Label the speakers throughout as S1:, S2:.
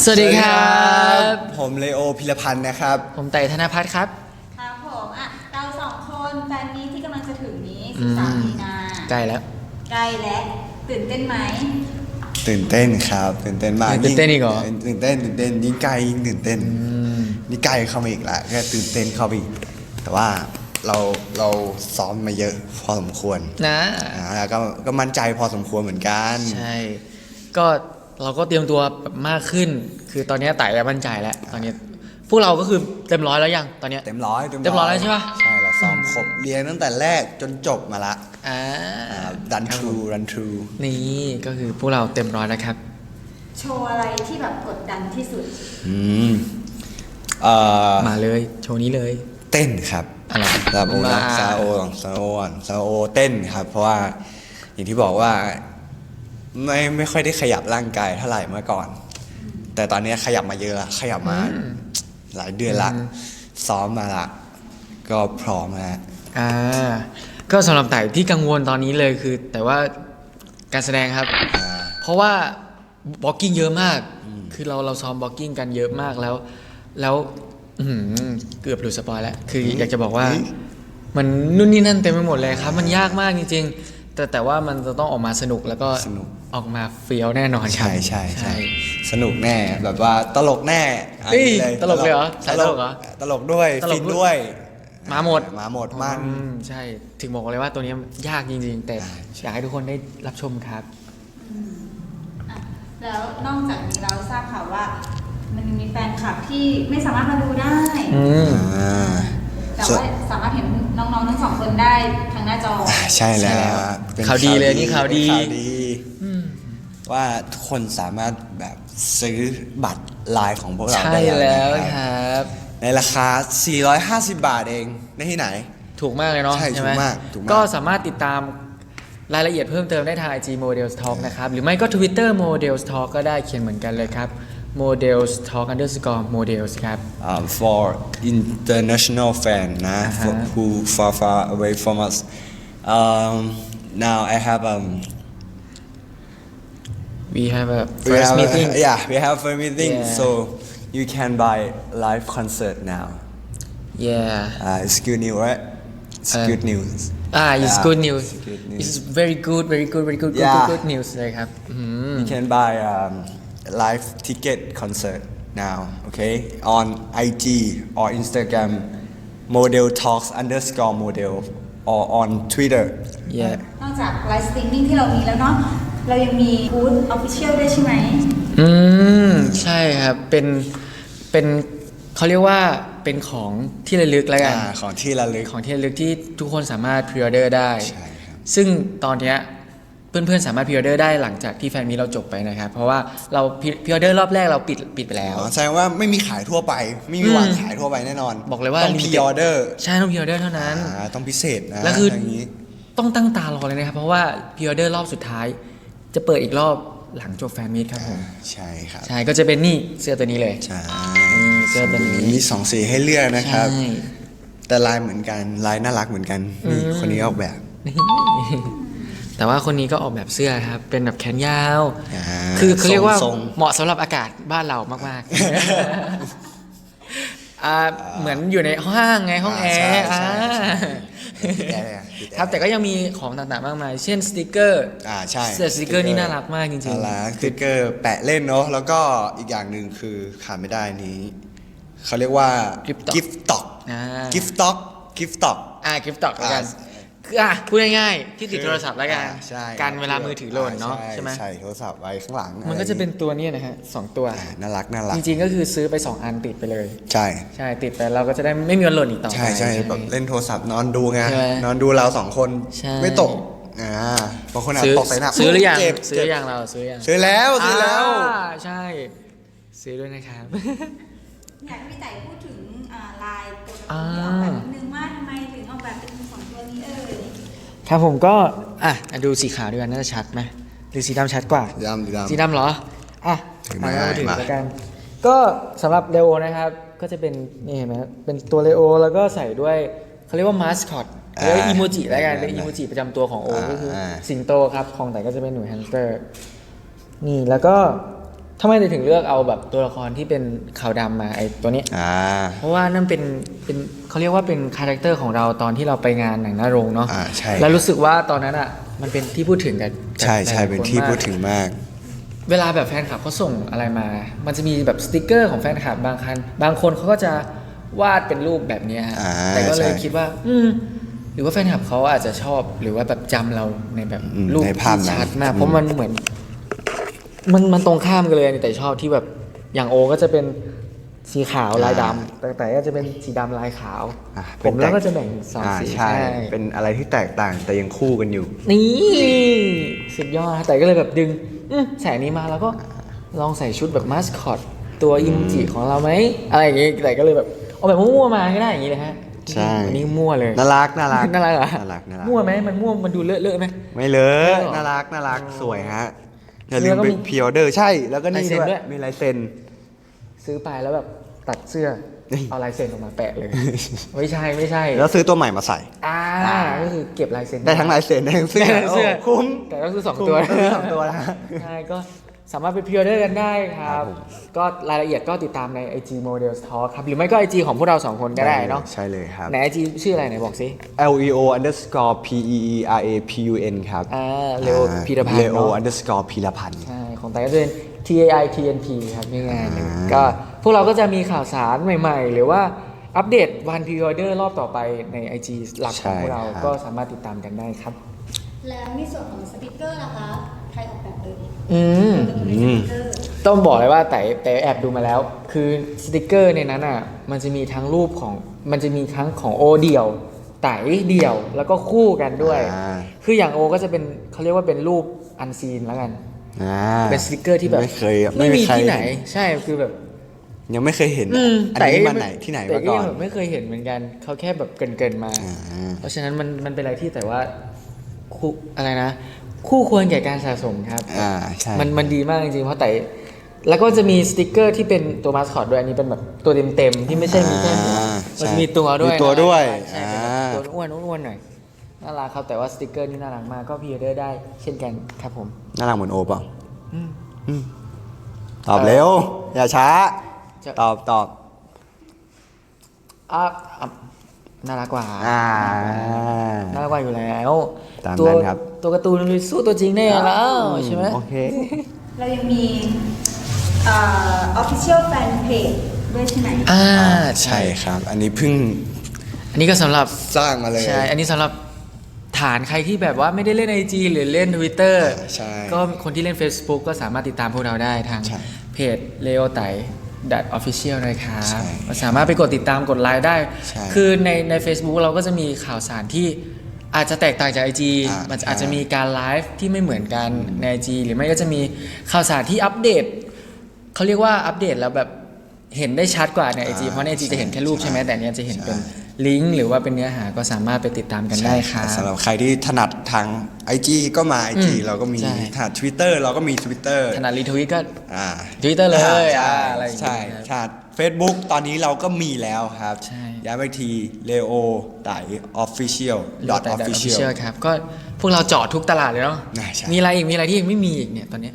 S1: สวัสดีครับ
S2: ผมเลโอพิรพันธ์นะครับ
S1: ผมไต่ธนพัฒน์ครับ
S3: ครับผมเราสองคนแฟนนี้ที่กำลังจะถึงนี้13 มีนา
S1: ใกล้แล้ว
S3: ใกล้แล้วตื่นเต้นไหม
S2: ตื่นเต้นครับตื่นเต้นมาก
S1: ตื่นเต้นอีกเหรอ
S2: ตื่นเต้นยิ่งใกล้ยิ่งตื่นเต้นนี่ใกล้เข้ามาอีกละแค่ตื่นเต้นเข้าไปอีกแต่ว่าเราซ้อมมาเยอะพอสมควร
S1: นะ
S2: แล้วก็มั่นใจพอสมควรเหมือนกัน
S1: ใช่ก็เราก็เตรียมตัวมากขึ้นคือตอนนี้ไต่มั่นใจแล้วตอนนี้พวกเราก็คือเต็มร้อยแล้วยังตอนนี้
S2: เต็มร้อย
S1: แล้วใช่ปะ
S2: ใช่เราซ้อมครบเรียนตั้งแต่แรกจนจบมาละรันทรู
S1: นี่ก็คือพวกเราเต็มร้อยแล้วครับ
S3: โชว์อะไรที่แบบกดดันที่สุด
S1: มาเลยโชว์นี้เลย
S2: เต้นครับ
S1: อะไร
S2: ซาโอเต้นครับเพราะว่าอย่างที่บอกว่าไม่ค่อยได้ขยับร่างกายเท่าไหร่เมื่อก่อนแต่ตอนนี้ขยับมาเยอะละขยับมาหลายเดือนละซ้อมมาละก็พร้อมแล้ว
S1: ก็สำหรับไต่ที่กังวลตอนนี้เลยคือแต่ว่าการแสดงครับเพราะว่าบล็อกกิ้งเยอะมากคือเราซ้อมบล็อกกิ้งกันเยอะมากแล้วเกือบหลุดสปอยแล้วคืออยากจะบอกว่ามันนู่นนี่นั่นเต็มไปหมดเลยครับมันยากมากจริงๆแต่ว่ามันจะต้องออกมาสนุกแล้วก็ออกมาเฟี้ยวแน่นอนครับ
S2: ใช่สนุกแน่แบบว่าตลกแน่
S1: ตลกเลยเหรอใช่ตลกเหรอ
S2: ตลกด้วยฟินด้วย
S1: มาหมด
S2: มัน
S1: ใช่ถึงบอกเลยว่าตัวนี้ยากจริงๆแต่อยากให้ทุกคนได้รับชมครับ
S3: แล้วนอกจากนี้เราทราบข่าวว่ามันมีแฟนคลับที่ไม่สามารถมาดูได้แต่ว่าสามารถเห็นน้องๆทั้งสองคนได้ทางหน้าจอ
S2: ใช่แล้ว
S1: ข่าวดีเลยนี่ข่าวดี
S2: ว่าทุกคนสามารถแบบซื้อบัตรไลน์ของพวกเรา
S1: ได้แล้วครับ
S2: ในราคา450 บาทเองได้ที่ไหน
S1: ถูกมากเลยเนาะ
S2: ใช่ถูกมาก
S1: ก็สามารถติดตามรายละเอียดเพิ่มเติมได้ทาง IG Models Talk นะครับหรือไม่ก็ Twitter Models Talk ก็ได้เขียนเหมือนกันเลยครับ Models Talk _Models ครับ
S2: for international fan นะ who far away from us now I have
S1: we have a first meeting
S2: we have a meeting so you can buy live concert now it's good news right it's good news
S1: it's good news it's very good good news เลยครับ
S2: you can buy live ticket concert now okay on IG or Instagram model talks _model or on Twitter
S3: นอกจากไลฟ์สตรีมมิ่งที่เรามีแล้วเนาะเรายังมีบูธ Official ด้วยใช่ไหม
S1: ใช่ครับเป็นเขาเรียกว่าเป็นของที่ระลึกแล้วกัน
S2: ของที่ระลึก
S1: ที่ทุกคนสามารถพรีออเดอร์ได้
S2: ใช่ครับ
S1: ซึ่งตอนนี้เพื่อนๆสามารถพรีออเดอร์ได้หลังจากที่แฟนมีเราจบไปนะครับเพราะว่าเราพรีออเดอร์รอบแรกเราปิดไปแล้ว
S2: แสดงว่าไม่มีขายทั่วไปไม่มีวางขายทั่วไปแน่นอน
S1: บอกเลยว่า
S2: ต้องพรีออเดอร์
S1: ใช่ต้องพรีออเดอร์เท่านั้น
S2: ต้องพิเศษนะ
S1: แล้วคือต้องตั้งตารอเลยนะครับเพราะว่าพรีออเดอร์รอบสุดท้ายจะเปิดอีกรอบหลังจบแฟนมีตครับผม
S2: ใช่ครับ
S1: ใช่ก็จะเป็นนี่เสื้อตัวนี้เลย
S2: ใช่
S1: เสื้อตัวนี้
S2: มี2 สีให้เลือกนะครับแต่ลายเหมือนกันลายน่ารักเหมือนกันนี่คนนี้ออกแบบ
S1: แต่ว่าคนนี้ก็ออกแบบเสื้อครับเป็นแบบแขนยาวคือเขาเรียกว่าเหมาะสำหรับอากาศบ้านเรามากๆเหมือนอยู่ในห้างไงห้องแอร์ครับแต่ก็ยังมีของต่างๆมากมายเช่นสติกเกอร์
S2: ใช่
S1: สติกเกอร์นี่น่ารักมากจริง
S2: ๆสติกเกอร์แปะเล่นเนาะแล้วก็อีกอย่างหนึ่งคือขาดไม่ได้นี้เขาเรียกว่ากิฟต์ต็อกกิฟต์ต็อก
S1: กิฟต์ต็อกกันคือพูดง่ายๆที่ติดโทรศัพท์แล้วกันการเวลามือถือหล่นเนาะใช่ไหม
S2: ใช่โทรศัพท์ไว้ข้างหลัง
S1: มันก็จะเป็นตัวนี้นะฮะ2ตัว
S2: น่ารัก
S1: จริงๆก็คือซื้อไป2 อันติดไปเลย
S2: ใช่
S1: ติดไปเราก็จะได้ไม่มีวันหล่นอีกต่อไป
S2: ใช่แบบเล่นโทรศัพท์นอนดูไงนอนดูเรา2 คนไม่ตกบางคนตกใส่หน้า
S1: ซื้อหรือยังเรา
S2: ซื้อแล้ว
S1: ใช่ซื้อด้วยนะครับ
S3: อยากให้พี่ไต่พูดถึงลายตัวนี้ออกแบบนิดนึงว่าทำไมถึงออกแบบเป็น2 ตัวนี้
S1: ครับผมก็ดูสีขาวด้วยกันน่าจะชัดไหมหรือสีดำชัดกว่าสีดำเหรอมาถึงแล้วกันก็สำหรับเลโอนะครับก็จะเป็นนี่เห็นไหมเป็นตัวเลโอแล้วก็ใส่ด้วยเขาเรียกว่ามาสคอตหรืออีโมจิแล้วกันเป็นอีโมจิประจำตัวของโอก็คือสิงโตครับของแต่ก็จะเป็นหนูแฮมสเตอร์นี่แล้วก็ทำไมถึงเลือกเอาแบบตัวละครที่เป็นขาวดำมาไอ้ตัวนี้ เพราะว่านั่นเป็นเขาเรียกว่าเป็นคาแรคเตอร์ของเราตอนที่เราไปงานหนังหน้าโรงเนาะ
S2: ใช่
S1: แล้วรู้สึกว่าตอนนั้นอ่ะมันเป็นที่พูดถึงกัน
S2: ใช่ใช่เป็นที่พูดถึงมาก
S1: เวลาแบบแฟนคลับเขาส่งอะไรมา มันจะมีแบบสติกเกอร์ของแฟนคลับางคนเขาก็จะวาดเป็นรูปแบบเนี้ยฮะแต่ก็เลยคิดว่าหรือว่าแฟนคลับเขาอาจจะชอบหรือว่าแบบจำเราในแบบรูป
S2: ในภาพ
S1: ที่
S2: นั้น
S1: ชัดมากเพราะมันเหมือนมันตรงข้ามกันเลยแต่ชอบที่แบบอย่างโอก็จะเป็นสีขาวลายดำแต่ก็จะเป็นสีดำลายขาว ผมแล้วก็จะแบ่งสองสี
S2: ใช่เป็นอะไรที่แตกต่างแต่ยังคู่กันอยู่
S1: นี่สุดยอดแต่ก็เลยแบบดึงใส่อันนี้มาแล้วก็ลองใส่ชุดแบบมาสคอตตัวอิมจิของเราไหมอะไรอย่างงี้แต่ก็เลยแบบเอาแบบมั่วๆมาก็ได้อย่างงี้เลยฮะ
S2: ใช่
S1: อันนี้มั่วเลย
S2: น่ารัก
S1: น่ารักเหรอ
S2: น่ารัก
S1: มั่วไหมมันมั่วมันดูเลอะๆไหม
S2: ไม่เล
S1: ไม่
S2: อะ
S1: หรอ
S2: น่ารักสวยฮะอย่าลืม
S1: แล้วก็
S2: ไป
S1: มี
S2: พรีออเดอร์ใช่แล้วก็นี่
S1: ลายเซ็น
S2: ด้วย
S1: ด้วย
S2: มีลายเซ็น
S1: ซื้อไปแล้วแบบตัดเสื้อเอาลายเซ็นออกมาแปะเลย ไม่ใช่
S2: แล้วซื้อตัวใหม่มาใส่
S1: ก็คือเก็บลายเซ็น
S2: ได้ทั้งลายเซ็นได้ทั้งเสื้อ
S1: ได้ทั้งเสื้อ
S2: โคุ้ม
S1: แต่ต้องซื้อสอง
S2: คุ้ม
S1: ตัว
S2: ซื้อสองตัวนะ
S1: ใช่ก็สามารถไปพรีออเดอร์กันได้ครั
S2: ครับ บผม
S1: ก็รายละเอียดก็ติดตามใน IG Models Talk ครับ หรือไม่ก็ IG ของพวกเรา 2 คนก็ได้เนาะ
S2: ใช่เลยครับ
S1: ใน IG ชื่ออะไรไหนบอกสิ
S2: leo_peerapun ครับ
S1: เลโอพีรพันธ์
S2: leo
S1: เนาะ
S2: underscore พีรพันธ์
S1: ใช่ ของไต้ก็จะเป็น TAITNP ครับง่ายๆเลยก็พวกเราก็จะมีข่าวสารใหม่ๆ หรือว่าอัปเดตวันพรีออเดอร์รอบต่อไปใน IG หลักของพวกเรา
S2: ใช่ครับ
S1: ก็สามารถติดตามกันได้ครับ
S3: แล้วในส่วนของสติกเกอร์ล่ะคะใครออกแบบเลย
S1: อืม
S3: ตัวสติกเกอร์
S1: ต้องบอกเลยว่าแต่แอบดูมาแล้ว คือสติกเกอร์ในนั้นอ่ะมันจะมีทั้งรูปของมันจะมีทั้งของโอเดี่ยวไต่เดี่ยวแล้วก็คู่กันด้วย คืออย่างโอก็จะเป็นเขาเรียกว่าเป็นรูปอันซีนแล้วกัน เป็นสติกเกอร์ที่แบบ
S2: ไม่เคย
S1: ไม่มี
S2: ใคร
S1: ที่ไหน ใช่คือแบบ
S2: ยังไม่เคยเห็นอันนี้มาไหนที่ไหน
S1: แต่
S2: มา
S1: ก็
S2: ก่อ
S1: ยั
S2: น
S1: งแบบไม่เคยเห็นเหมือนกันเขาแค่แบบเกรินๆมา เพราะฉะนั้นมันเป็นอะไรที่แต่ว่าคู่อะไรนะ คู่ควรแก่การสะสมครับ
S2: ใช่
S1: มันดีมากจริงๆ เพราะแต่แล้วก็จะมีสติกเกอร์ที่เป็นตัวมาสคอตด้วยอันนี้เป็นแบบตัวเต็มๆที่ไม่ใช่มีแค่หัว
S2: ใช่
S1: มันมีตัวด้วย
S2: มีตัวด้วย
S1: ใช่เป็นแบบตัวอ้วนๆหน่อยน่ารักครับแต่ว่าสติกเกอร์นี่น่ารักมากก็พรีออเดอร์ได้เช่นกันครับผม
S2: น่ารักเหมือนโอเปล่าตอบเร็ว อย่าช้า ตอบ
S1: อ่ะน่ารักกว่า น่ารักกว่าอยู่แล้ว
S2: ตาม
S1: ตัว
S2: นั้นครับ
S1: ตัวการ์ตูนมันสู้ตัวจริงได้แล้วใช่ไหม
S2: โอเค
S3: เรายังมีofficial fan page ด้วยใช่ไหม
S2: ใช่ครับ อันนี้เพิ่ง
S1: อันนี้ก็สำหรับ
S2: สร้างมาเลย
S1: ใช่ อันนี้สำหรับฐานใครที่แบบว่าไม่ได้เล่น IG หรือเล่น Twitter
S2: ใช่
S1: ก็คนที่เล่น Facebook ก็สามารถติดตามพวกเราได้ทาง
S2: ใช่
S1: เพจ Leo Tai official นะครับ
S2: ใช่
S1: ก็สามารถไปกดติดตามกดไลค์ได้
S2: ใช่
S1: คือใน Facebook เราก็จะมีข่าวสารที่อาจจะแตกต่างจาก IG มันอาจจะมีการไลฟ์ที่ไม่เหมือนกันใน IG หรือไม่ก็จะมีข่าวสารที่อัปเดตเขาเรียกว่าอัปเดตแล้วแบบเห็นได้ชัดกว่าใน IG เพราะใน IG จะเห็นแค่รูปใช่ไหมแต่เนี้ยจะเห็นเป็นลิงก์หรือว่าเป็นเนื้อหาก็สามารถไปติดตามกันได้ครับ
S2: สำหรับใครที่ถนัดทาง IG ก็มา IG เราก็มี
S1: ใช่
S2: ถนัด Twitter เราก็มี Twitter
S1: ถนัดรีทวิตก็
S2: อ่า
S1: Twitter เลย
S2: ใช่
S1: อะไรอย่างเงี้ย
S2: ใช่
S1: ครับ
S2: ถนัด Facebook ตอนนี้เราก็มีแล้วครับ
S1: ใช่
S2: ย้ำไปที Leo ไต่ Official
S1: official ครับก็พวกเราเจาะทุกตลาดเลยเนาะ
S2: ใช่
S1: มีอะไรอีกมีอะไรที่ยังไม่มีอีกเนี่ยตอนเนี้ย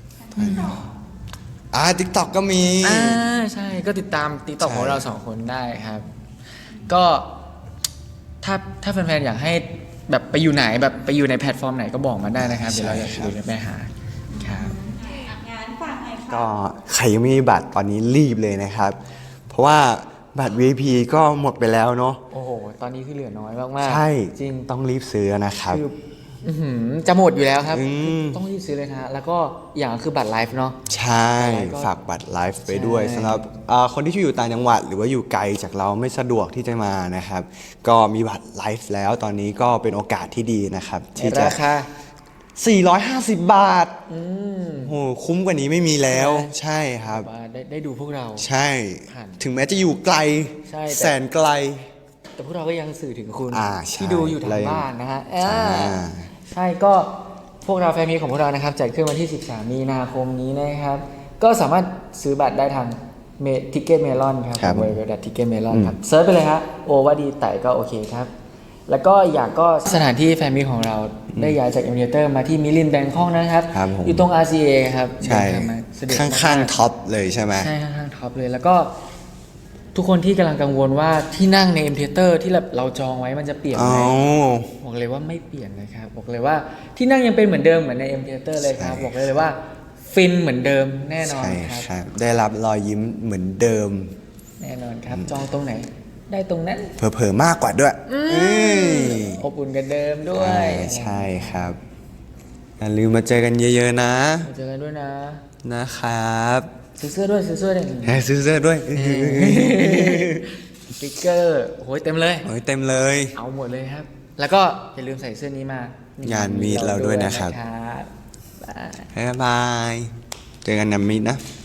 S2: TikTok ก็มี
S1: ใช่ก็ติดตาม TikTok
S2: ใช่
S1: ของเราสองคนได้ครับ ก็ถ้าแฟนๆอยากให้แบบไปอยู่ไหนแบบไปอยู่ในแพลตฟอร์มไหนก็บอกมาได้นะครับ เดี๋ยวเราจะไปหาครับ
S3: งานฝากหน่อยค่ะ
S2: ก็ใครยังไม่มีบัตรตอนนี้รีบเลยนะครับ เพราะว่าบัตร VIP ก็หมดไปแล้วเนาะ
S1: โอ้โห ตอนนี้คือเหลือน้อยมากๆ
S2: ใช่
S1: จริง
S2: ต้องรีบซื้อนะครับ
S1: คืออื้อหือจะหมดอยู่แล้วครับ
S2: อืม
S1: ต้องรีบซื้อเลยนะฮะแล้วก็อย่างคือบัตรไลฟ์เนาะ
S2: ใช่
S1: แล้วก็
S2: ฝากบัตรไลฟ์ไปด้วย
S1: ใช่
S2: สำหรับคนที่อยู่ต่างจังหวัด หรือว่าอยู่ไกลจากเราไม่สะดวกที่จะมานะครับ ก็มีบัตรไลฟ์แล้วตอนนี้ก็เป็นโอกาสที่ดีนะครับ ที่จะ
S1: ราคา
S2: 450 บาทโหคุ้มกว่านี้ไม่มีแล้ว ใช่ครับ
S1: ว่าได้ดูพวกเรา
S2: ใช่
S1: ผ่าน
S2: ถึงแม้จะอยู่ไกล
S1: ใช่แต่
S2: แสนไกล
S1: แต่พวกเราก็ยังสื่อถึงคุณ
S2: ใช่
S1: ที่ดูอยู่ทางบ้านนะฮะ
S2: ใช่
S1: ใช่ก็พวกเราแฟนมีของพวกเรานะครับจัดขึ้นวันที่ 13 มีนาคมนี้นะครับ ก็สามารถซื้อบัตรได้ทางทิกเก็ตเมลอนครับ
S2: ครับ
S1: เว็บทิกเก็ตเมลอนครับเซิร์ชไปเลยฮะโอว่าดีไต่ก็โอเคครับแล้วก็อยากก็สถานที่แฟนมีตของเราได้ย้ายจากเอ็มเทเตอร์มาที่มิลินแบงคอกนะครับ
S2: ครับผม
S1: อยู่ตรง RCA ครับ
S2: ใช่
S1: เดินทางมาสะดวก
S2: ข้
S1: มก
S2: างๆท็อปเลยใช่ไหม
S1: ใช่ข้างๆท็อปเลย แล้วก็ทุกคนที่กำลังกังวลว่าที่นั่งในเอ็มเทเตอร์ที่เราจองไว้มันจะเปลี่ยน
S2: อ๋
S1: ไห
S2: อ
S1: มบอกเลยว่าไม่เปลี่ยนนะครับบอกเลยว่าที่นั่งยังเป็นเหมือนเดิมเหมือนในเอ็มเทเตอร์เลยครับ
S2: ใช่
S1: บอกเลยว่าฟินเหมือนเดิมแน่นอน
S2: ใช่
S1: ครับ
S2: ครับ ได้รับรอยยิ้มเหมือนเดิม
S1: แน่นอนครับ จองตรงไหน ได้ตรงนั้น
S2: เผลอๆมากกว่าด้วยเอ้ย
S1: อบอุ่นกันเดิมด้วย
S2: ใช่ครับอย่าลืมมาเจอกันเยอะๆนะ
S1: มาเจอกันด้วยนะ
S2: นะครับ
S1: ซื้อเสื้อด้วยซื้อเสื้อด้วย
S2: ซื้อเสื้อด้วย
S1: สติ๊กเกอร์โอ้ยเต็มเลย
S2: โอ้ยเต็มเลย
S1: เอาหมดเลยครับ แล้วก็อย่าลืมใส่เสื้อนี้มาง
S2: านมีดเราด้วยนะครับ
S1: บ๊ายบาย
S2: บ๊ายบาย เจอกันนะมิตรนะ